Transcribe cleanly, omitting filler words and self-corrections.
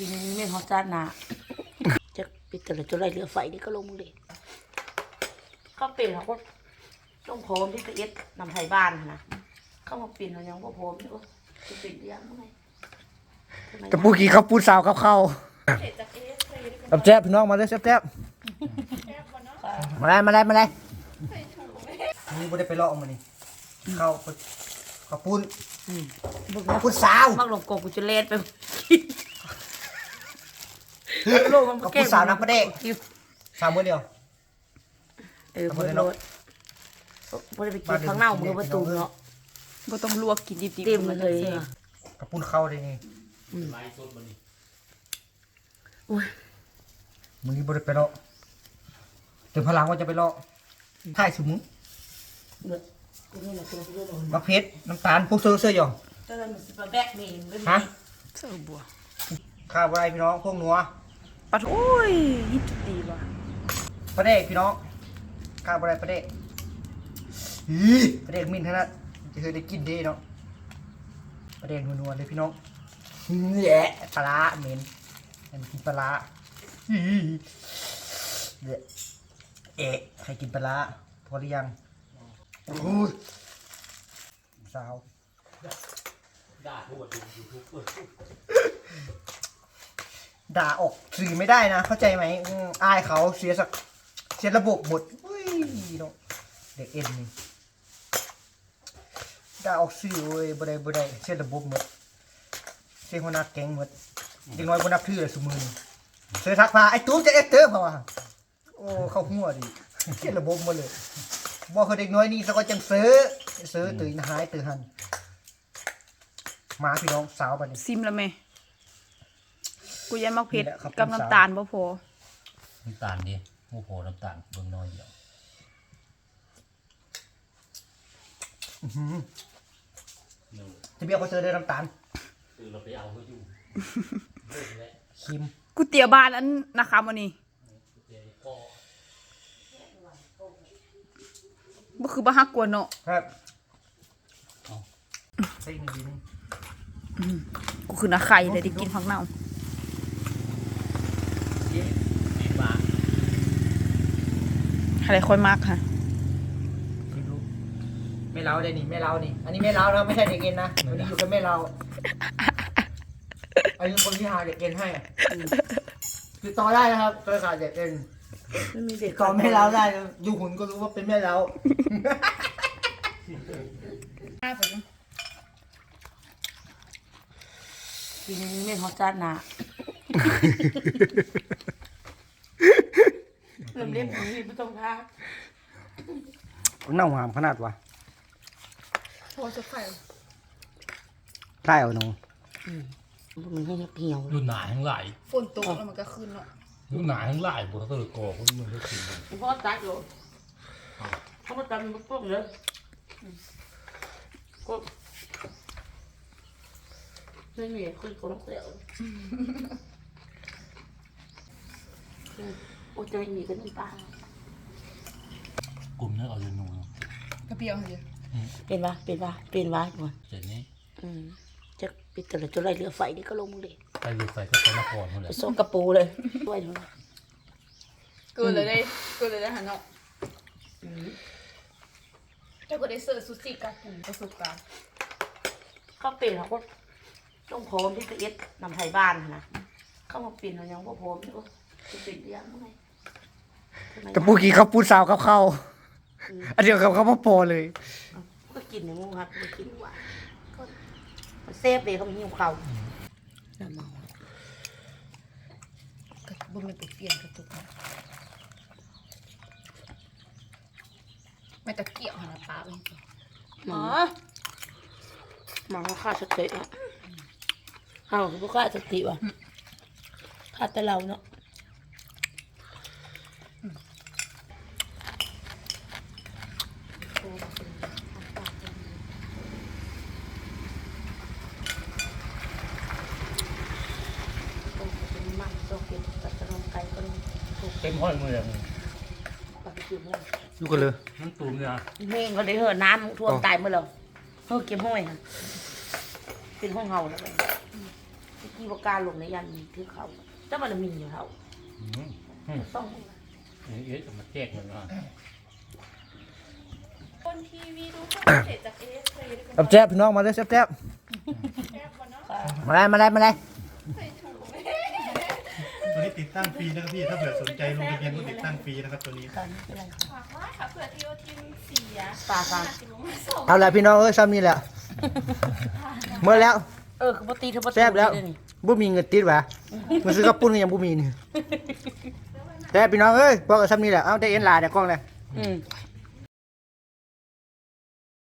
ปีนี้ไม่ฮอตจ้าหนาจะปิดแต่ละจุดไรเรือไฟนี่ก็ลงเลยก็เปลี่ยนเขาก็ต้องพร้อมที่จะเอ็ดนำไทยบ้านนะเข้ามาเปลี่ยนเรายังว่าพร้อมนี่ก็จะเปลี่ยนยังไงกระปูกี้เขาปูสาวเขาเข้าแจ๊บพี่น้องมาเลยแจ๊บมาเลยมาเลยมาเลยนี่ไม่ได้ไปเลาะมานี่เขาปูนปูสาวมักหลงกบกูจะเล่นไปโลกมันเขาปูสาวนักประเดกสาวมือเดียวเบอร์โลดพอได้ไปกินข้างหน้ามือประตูเนาะบ่ต้องลวกกินดิบๆเต็มเลยเขาปูนเข้าได้นี่มึงนี่ไม่ได้ไปเลาะถึงพลังว่าจะไปเลาะถ่ายสมุนมะเพชรน้ำตาลพวกเสื้อหย่องก็เลยมันสิบแบกนี่ฮะเสิร์ฟบัวข้าวอะไรพี่น้องพวกนัวปัดโอ้ยฮิตดีว่ะประเดกพี่น้องข้าวอะไรประเดกประเดกมินเท่านั้นจะเคยได้กินดีเนาะประเดกนัวๆเลยพี่น้องแย่ปลาเหม็นมันกินปลาใครกินปลาพอหรือยังโอ้ยสาวด่าออกสื่อไม่ได้นะเข้าใจไหมอายเขาเสียระบบหมดเนาะเด็กเอ็นนี่ด่าออกสื่อเว้ยบ่ได้เสียระบบหมดเสียหัวหน้าแก๊งหมดเด็กน้อยบ่นับถือเลยสมือเสือทักพาไอ้ตู้จะเอ็กเตอร์เพราะว่าโอ้เข้าหัวดิเสียระบบหมดเลยบอกเขาเด็กน้อยนี่เขาก็จังซื้อตื่นหายตื่นหันมาพี่น้องสาวบัดนี้ซิมแล้วแม่กูยันมักเผ็ดนี่แหละครับกับน้ำตาลบ่พอน้ำตาลดิโอ้โหน้ำตาลเบิ่งน้อยเดียวจะเบี้ยวเขาเจอได้น้ำตาลคือเราไปเอาเขาอยู่คิมกูเตี๋ยวบ้านอันนะคะมื้อนี้บ่คือบ่ฮักกวนเนาะครับใส่หนึ่งดีนึงกูคือนาไข่เลยได้กินผักเน่าดีมากอะไรค่อยมากค่ะคิมรู้ไม่เล้าได้นี่ไม่เล้านี่อันนี้ไม่เล้านะไม่ใช่เด็กเอ็นนะวันนี้อยู่กับแม่เราอันนี้คนที่หาเด็กเอ็นให้ติดต่อได้นะครับเครือข่ายเด็กเอ็นไม่มีเด็กก่อนแม่เล้าได้นะดูหุ่นก็รู้ว่าเป็นแม่เล้าปีนี้ไม่ฮอตจ้าหนาเริ่มเล่นของนี่ไม่ต้องท้าเน่าหามขนาดวะพอจะไข่ได้เอาหนูมันให้เหี่ยวรุ่นหนาทั้งหลายฝนตกแล้วมันก็ขึ้นเนาะรุ่นหนาทั้งหลายบุตรก็เลยก่อคนมันก็ขึ้นพ่อตัดอยู่เขามาตัดมันพวกเลยก็ไม่มีคือคนเสียวโอ้จะไม่มีกันน้ำตากลุ่มนี้เอาอยู่หนูกระเปียวเดียวเป็นวะก่อนเสร็จนี้จะปิดแต่ละจุดไรเรือไฟนี่ก็ลงเลยไปเรือไฟก็ไปนครหมดเลไปยส่งกระปูเลยด้วยเถอะเกินเลยได้หันเนาะแต่ก็ได้เสิร์ฟซูชิกับกลุ่มประสบการณ์เขาเปลี่ยนเขาก็ต้องพร้อมที่จะเอ็ดนำไทยบ้านนะเข้ามาเปลี่ยนเรายังว่าพร้อมนี่ก็จะเปลี่ยนยังไงกระปูกี้เขาปูสาวเขาเข้าอันเดียวกับเขาพอเลยก็กินอย่างงูครับไม่กินหวานก็เซฟเลยเขาไม่หิวเขาน้ำเมากระบุ้มมันไปเปลี่ยนกระตุกไม่ตะเกียบหันปลาไปอ๋อหมาเขาฆ่าสติอ่ะเขาเขาฆ่าสติว่ะฆ่าแต่เราเนาะเต็มห้อยมือเลยดูกันเลยมันตูมเนี่ยเม่งเขาได้เหอะน้ำท่วมตายเมื่อเราเฮ้อเก็บห้อยค่ะเป็นห้องเฮาแล้วไปกี่ประการลงในยันคือเขาแต่มันมีอยู่เขาต้องเอ๊ะจะมาแจ้งมันว่าคนทีวีดูเขาเสร็จจากเอสเลยแซ่บพี่น้องมาเลยแซ่บมาเลยตัวนี้ติดตั้งฟรีนะครับพี่ถ้าเผื่อสนใจลงทะเบียนก็ติดตั้งฟรีนะครับตัวนี้การไม่เป็นไรค่ะฝากว่าค่ะเผื่อทีโอทีมเสียปลาฟังสิบโมงมาส่งเอาละพี่น้องซ้ำนี่แหละเมื่อแล้วคือปกติเธอปกติแซ่บแล้วนี่บ่มีเงินติดวะมันซื้อกระปุ้นก็ยังบ่มีนี่แซ่บพี่น้องบอกกับซ้ำนี่แหละเอาได้เอ็นลาได้กล้องเลยอืม